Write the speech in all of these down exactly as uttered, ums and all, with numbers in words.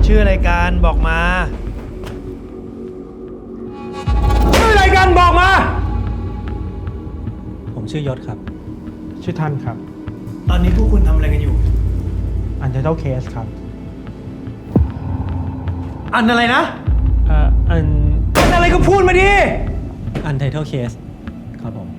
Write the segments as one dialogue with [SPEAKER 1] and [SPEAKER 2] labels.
[SPEAKER 1] ชื่อรายการบอกมา
[SPEAKER 2] ชื่อรายการบอกมา
[SPEAKER 3] ผมชื่อยศครับ
[SPEAKER 4] ชื่อท่านครับ
[SPEAKER 1] ตอนนี้พวกคุณทำอะไรกันอยู่
[SPEAKER 4] Untitled Case ครับ
[SPEAKER 1] อันอะไรนะ
[SPEAKER 4] เอ่ออัน
[SPEAKER 2] อันอะไรก็พูดมาดิ
[SPEAKER 3] Untitled Case ครับผม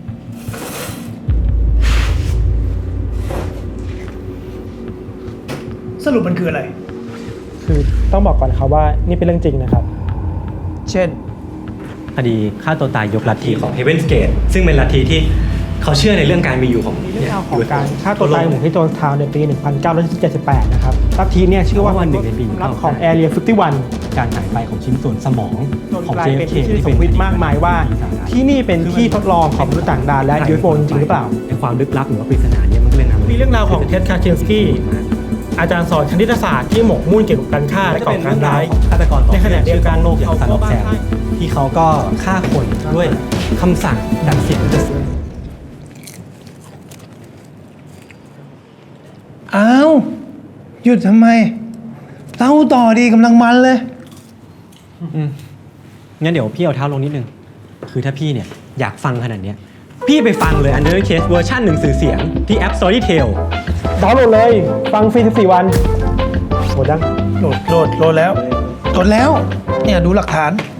[SPEAKER 1] สรุปมันคืออะไร
[SPEAKER 4] คือต้องบอกก่อนครับว่านี่เป็นเรื่องจริงนะครับ
[SPEAKER 1] เช่น
[SPEAKER 3] คดีฆ่าตัวตายยกลัทธิของ Heaven's Gate ซึ่งเป็นลัทธิที่เขาเชื่อในเรื่องการมีอยู่ของ
[SPEAKER 4] มีเรื่องราวของการฆ่าตัวตายของที่โจนส์ทาวน์ในปี หนึ่งพันเก้าร้อยเจ็ดสิบแปด นะครับลัทธิเนี่ยชื่อว่า
[SPEAKER 3] วันหนึ่งในปี
[SPEAKER 4] รับของ Area ห้าสิบเอ็ด
[SPEAKER 3] การหายไปของชิ้นส่วนสมองของ
[SPEAKER 4] เจ
[SPEAKER 3] เจ
[SPEAKER 4] ฟ
[SPEAKER 3] ฟ
[SPEAKER 4] เค
[SPEAKER 3] เค
[SPEAKER 4] ที่
[SPEAKER 3] ที่
[SPEAKER 4] ส
[SPEAKER 3] เป็
[SPEAKER 4] ม
[SPEAKER 3] น
[SPEAKER 4] มติมากมายว่าที่นี่เป็นที่ทดลองของมนุษย์ต่างดาวและ ยู เอฟ โอ จริงหรือเปล่า
[SPEAKER 3] ในความลึกลับหรือว่าปริศนาเนี่ยมันก็เลยนำ
[SPEAKER 4] มีเรื่องราวของเท็ด คาชินสกี้อาจารย์สอนคณิตศาสตร์ที่หมกมุ่นเกี่ยวกับการฆ่าและก่อการร้าย
[SPEAKER 3] ฆาตกรต่อ
[SPEAKER 4] ในขณะเดียวกัน
[SPEAKER 3] โลกอย่าง
[SPEAKER 4] เขา
[SPEAKER 3] ซาน
[SPEAKER 4] ก็
[SPEAKER 3] อฟ
[SPEAKER 4] บ้า
[SPEAKER 3] แซม
[SPEAKER 4] คลั่ง
[SPEAKER 3] ที่เขาก็ฆ่าคนด้วยคำสั่งจากเสียง
[SPEAKER 1] อ้าว หยุดทำไมเต้าต่อดีกำลังมันเลย
[SPEAKER 3] อืมงั้นเดี๋ยวพี่เอาเท้าลงนิดนึงคือถ้าพี่เนี่ยอยากฟังขนาดเนี้ยพี่ไปฟังเลย Untitled Case เวอร์ชันหนังสือเสียงที่แอป Storytel
[SPEAKER 4] ดาวน์โหลดเลยฟังฟรีสิบสี่วันโหลดยัง
[SPEAKER 1] โหลดโหลดโหลดแล้วโหลดแล้ว เนี่ยดูหลักฐาน